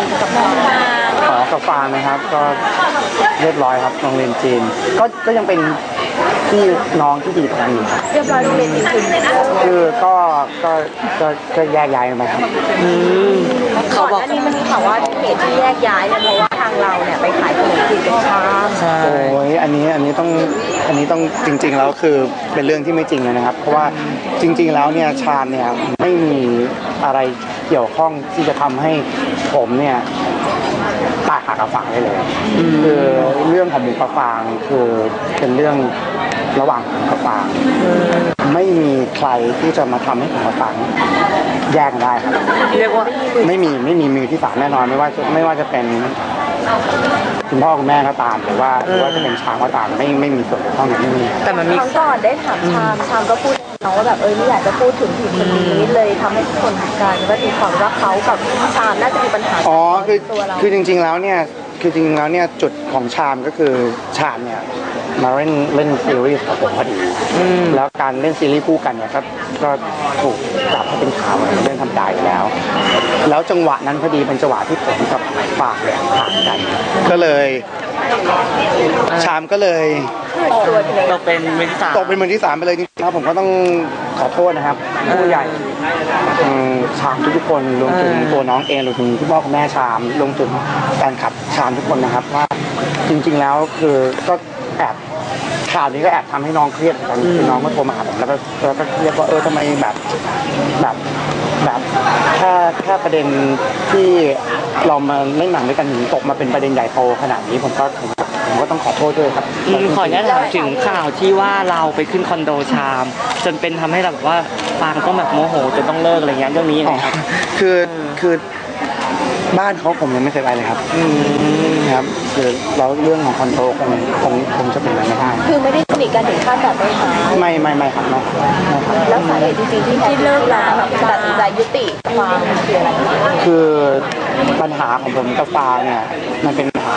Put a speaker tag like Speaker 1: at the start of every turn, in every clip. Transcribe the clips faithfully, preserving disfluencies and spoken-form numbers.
Speaker 1: กับน้องมา
Speaker 2: ขอกับฟางนะครับก็เรียบร้อยครับโรงเรียนจีนก็ก็ยังเป็นพี่น้องที่ดีกันอยู่
Speaker 1: เรียบร้อยโรงเรียนจีน
Speaker 2: คือก็ก็ก็ก็แยกย้ายกันไปครับ
Speaker 1: เขาบอกนี่มันมีข่าวว่าเหตุที่แยกย้ายเนี่ยเพราะว่าทางเราเนี่ยไปขายขนมจีนกับชาม
Speaker 2: ใช่โอ้ยอันนี้อันนี้ต้องอันนี้ต้องจริงๆแล้วคือเป็นเรื่องที่ไม่จริงเลยนะครับเพราะว่าจริงๆแล้วเนี่ยชามเนี่ยไม่มีอะไรเกี่ยวข้องที่จะทำให้ผมเนี่ยตายหักกับฟางได้เลยคือเรื่องของหมูกับฟางคือเป็นเรื่องระหว่างผมกับฟางไม่มีใครที่จะมาทำให้ผมกับฟางแยกได้ครับเรียกว่าไม่มีไม่มีมือที่สามแน่นอนไม่ว่าจะไม่ว่าจะเป็นคุณพ่อคุณแม่ก็ตามหรือว่าหรือว่าจะเป็นช้างก็ตามไม่ไม่มีส่วนเกี่ยวข้องอย่างนี้
Speaker 1: แต่มันมีครั้งก่อนได้ถามชามชามก็พูดน้องว่าแบบเออไม่อยากจะพูดถึงผิดคนนี้เลยทำให้ทุกคนหักกันก็ตีความว่าเขากับชามน่าจะมีปัญหา
Speaker 2: อ๋อคือคือจริงๆแล้วเนี่ยคือจริงๆแล้วเนี่ยจุดของชามก็คือชามเนี่ยมาเล่นเล่นซีรีส์กับผมพอดีแล้วการเล่นซีรีส์คู่กันเนี่ยก็ก็ถูกจับให้เป็นข่าวเรื่องทำได้แล้วแล้วจังหวะนั้นพอดีเป็นจังหวะที่ผมกับปากเนี่ยห่างกันก็เลยชามก็เลย
Speaker 3: ตกเป็นมือที่สาม
Speaker 2: ตกเป็นมือที่สามไปเลยจริงๆแล้วผมก็ต้องขอโทษนะครับผู้ใหญ่ชามทุกๆคนรวมถึงตัวน้องเองรวมถึงพี่พ่อคุณแม่ชามรวมถึงแฟนคลับชามทุกคนนะครับว่าจริงๆแล้วคือก็แอบข่าวนี้ก็แอบทำให้น้องเครียดกันคือน้องก็โทรมาหาผมแล้วก็แล้วก็เรียกว่าเออทำไมแบบแบบแบบแค่แค่ประเด็นที่เรามาเล่นหนังด้วยกันถึงตกมาเป็นประเด็นใหญ่โตขนาดนี้ผมก็ผมก็ต้องขอโทษด้วยครับ
Speaker 3: ขออนุญาตถามถึงข่าวที่ว่าเราไปขึ้นคอนโดชามจนเป็นทำให้เราแบบว่าฟางต้องแบบโมโหจนต้องเลิกอะไรเงี้ยเรื่องนี้ยังไงครับ
Speaker 2: คือคือบ้านเขาผมยังไม่เคยไปเลยครับครับคือแล้วเรื่องของคอนโดคงคงคงจะเป็นอะไรไม่ได้
Speaker 1: คือไม่ได้สนิทกันถึงขั้นแบบไปหา
Speaker 2: ไม่ไม่ไม่ครับไม่
Speaker 1: แล้วสาเหตุจริงๆที่ที่เลิกแล้วแบบตัดสินใจยุติฟางคืออะไร
Speaker 2: คือปัญหาของผมกับฟางเนี่ยมันเป็นปัญหา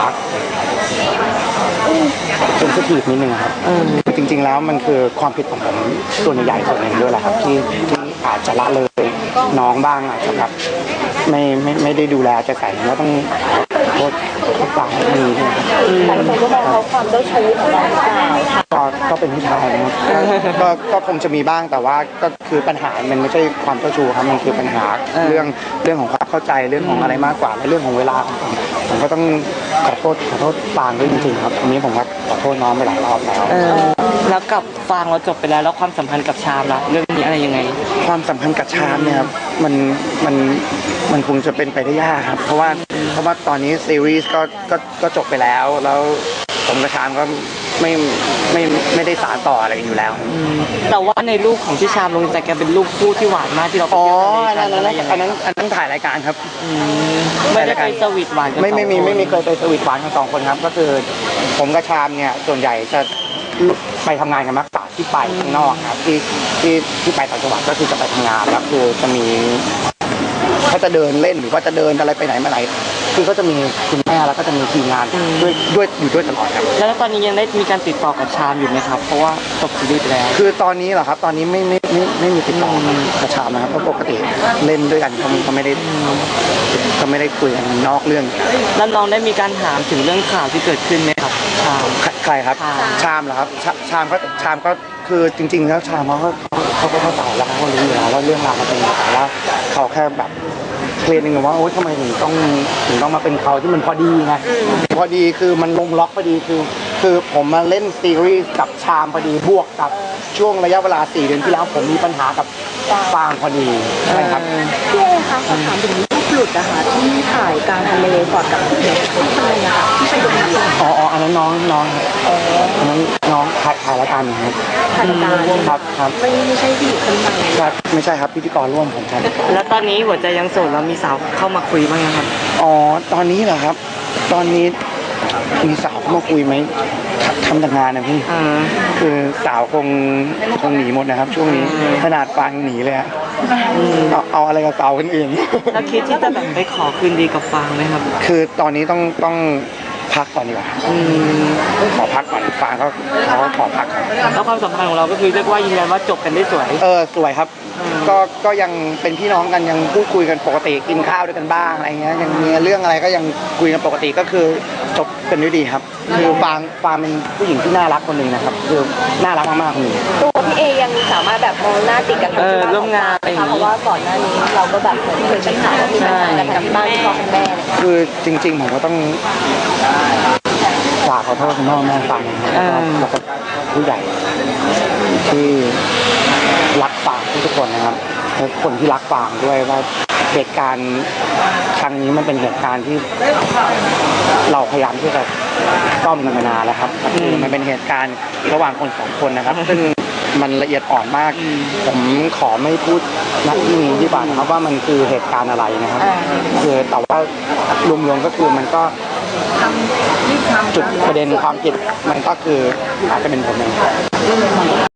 Speaker 2: เซนซิทีฟนิดนึงครับจริงๆแล้วมันคือความผิดของผมส่วนใหญ่ส่วนหนึ่งด้วยแหละครับที่ที่อาจจะละเลยน้องบ้างอาจจะแบบไม่ไม่ไม่ได้ดูแลจะใส่แล้วต้องโทษทุกฝ่ายมี
Speaker 1: หลายคนก็มองเขาความเจ้าชู้ของเรา
Speaker 2: ก็ก็เป็นผู้ชายนะครับก็ก็คงจะมีบ้างแต่ว่าก็คือปัญหามันไม่ใช่ความเจ้าชู้ครับมันคือปัญหาเรื่องเรื่องของความเข้าใจเรื่องของอะไรมากกว่าและเรื่องของเวลาของผมผมก็ต้องขอโทษขอโทษฟางด้วยจริงๆครับอันนี้ผมก็ขอโทษน้องไปหลายรอบแล้ว
Speaker 3: แล้วกับฟางเราจบไปแล้วแล้วความสัมพันธ์กับชามล่ะเรื่องนี้อะไรยังไง
Speaker 2: ความสัมพันธ์กับชามเนี่ยครับมันมันมันคงจะเป็นไปได้ยากครับเพราะว่าเพราะว่าตอนนี้ซีรีส์ก็ก็ก็จบไปแล้วแล้วผมกับชามก็ไม่ไม่ไม่ได้สานต่ออะไรอยู่แล้ว
Speaker 3: แต่ว่าในรูปของที่ชามลงแต่แกเป็นรูปคู่ที่หวานมากที่เราไปเที่ยวทะเลกัน
Speaker 2: อันนั้นอันนั้นถ่ายรายการครับ
Speaker 3: ไม่ได้ไปสวีทหวานกัน
Speaker 2: ไม่ไม่มีไม่มีเคยไปสวีทหวานกันสองคนครับก็คือผมกับชามเนี่ยส่วนใหญ่จะไปทำงานกันมากกว่าที่ไปข้างนอกครับที่ที่ที่ไปต่างจังหวัดก็คือจะไปทำงานแล้วคือจะมีเขาจะเดินเล่นหรือว่าจะเดินอะไรไปไหนมาไหนคือก็จะมีคุณแม่แล้วก็จะมีทีมงานด้วยด้วยอยู่ด้วยตลอดครับ
Speaker 3: แล้วตอนนี้ยังได้มีการติดต่อกับชามอยู่ไหมครับเพราะว่าจบซีรีส์ไปแล้ว
Speaker 2: คือตอนนี้เหรอครับตอนนี้ไม่ไม่ไม่ไม่มีติดต่อกับชามนะครับเพราะปกติเล่นด้วยกันเขาเขาไม่ได้เขาไม่ได้คุยกันนอกเรื่อง
Speaker 3: แล้วน้องได้มีการถามถึงเรื่องข่าวที่เกิดขึ้นไหมครับชาม
Speaker 2: ใครครับชามเหรอครับชามก็ชามก็คือจริงๆแล้วชามเขาก็เขาก็เข้าใจแล้วเขารู้อยู่แล้วว่าเรื่องราวมันเป็นยังไงว่าเขาแค่แบบเคลียร์นึงว่าโอ๊ยทำไมถึงต้องถึงต้องมาเป็นเขาที่มันพอดีไงพอดีคือมันลงล็อกพอดีคือคือผมมาเล่นซีรีส์กับชามพอดีบวกกับช่วงระยะเวลาสี่เดือนที่แล้วผมมีปัญหากับฟางพอดีใช่ครับ
Speaker 1: พี่เอคะขอถามถึงรูปหลุดนะคะที่ถ่ายกลางทะเลก่อนกับที่เด็กที่ทะเลนะคะที่ไปดูหนัง
Speaker 2: อ๋ออ๋ออันนั้นน้องน้องอันนั้นน้องถ่ายถ่ายรายการอยู่ครับ
Speaker 1: ถ่ายรายการ
Speaker 2: ครับครับ
Speaker 1: ไม่ไม่ใช่ที่คนใหม่
Speaker 2: ครับไม่ใช่ครับพิธีกรร่วมผมครับ
Speaker 3: แล้วตอนนี้หัวใจยังโสดแล้วมีสาวเข้ามาคุยบ้างยังครับ
Speaker 2: อ๋อตอนนี้เหรอครับตอนนี้มีสาวเข้ามาคุยไหมทำแต่งานนะพี่คือสาวคงคงหนีหมดนะครับช่วงนี้ขนาดฟางหนีเลยฮะเอาเอาอะไรกับสาวคนอื่น
Speaker 3: แล้วคิดที่จะแบบไปขอคืนดีกับฟางไหมครับ
Speaker 2: คือตอนนี้ต้องต้องพักก่อนดีกว่า
Speaker 3: อืม
Speaker 2: ขอพักก่อนฟางก็เขาก็ขอพักก่อน
Speaker 3: แล้วความสัมพันธ์ของเราก็คือเรียกว่ายืนยันว่าจบกันได้สวย
Speaker 2: เออสวยครับ ก็ก็ยังเป็นพี่น้องกันยังพูดคุยกันปกติกินข้าวด้วยกันบ้างอะไรเงี้ยยังมีเรื่องอะไรก็ยังคุยกันปกติก็คือจบกันด้วยดีครับ คือฟางฟางเป็นผู้หญิงที่น่ารักคนหนึ่งนะครับคือน่ารักมากๆคนหนึ่ง
Speaker 1: ตัวพี่เอยังสามารถแบบมองหน้าติดกัน
Speaker 3: เออร่วมงานอะไรอย่างงี้
Speaker 1: เพราะว่าก่อนหน้านี้เราก็แบบเหมือนเคยใช้ข่าวว่ามีปัญหากันทางที่บ้านที่พ่อคุณแม่เนี่ย
Speaker 2: คือจริงๆผมก็ต้องฝากขอโทษคุณพ่อแม่ฟังนะครับแล้วก็ผู้ใหญ่ที่รักฟางทุกคนนะครับและคนที่รักฟางด้วยว่าเหตุการณ์ครั้งนี้มันเป็นเหตุการณ์ที่เราพยายามที่จะซ่อมกันมานานแล้วครับคือมันเป็นเหตุการณ์ระหว่างคนสองคนนะครับ ซึ่งมันละเอียดอ่อนมาก ผมขอไม่พูดณที่นี้ดีกว่านะครับว่ามันคือเหตุการณ์อะไรนะครับ คือแต่ว่ารวมๆก็คือมันก็จุดประเด็นความผิดมันก็คืออาจจะเป็นผมเอง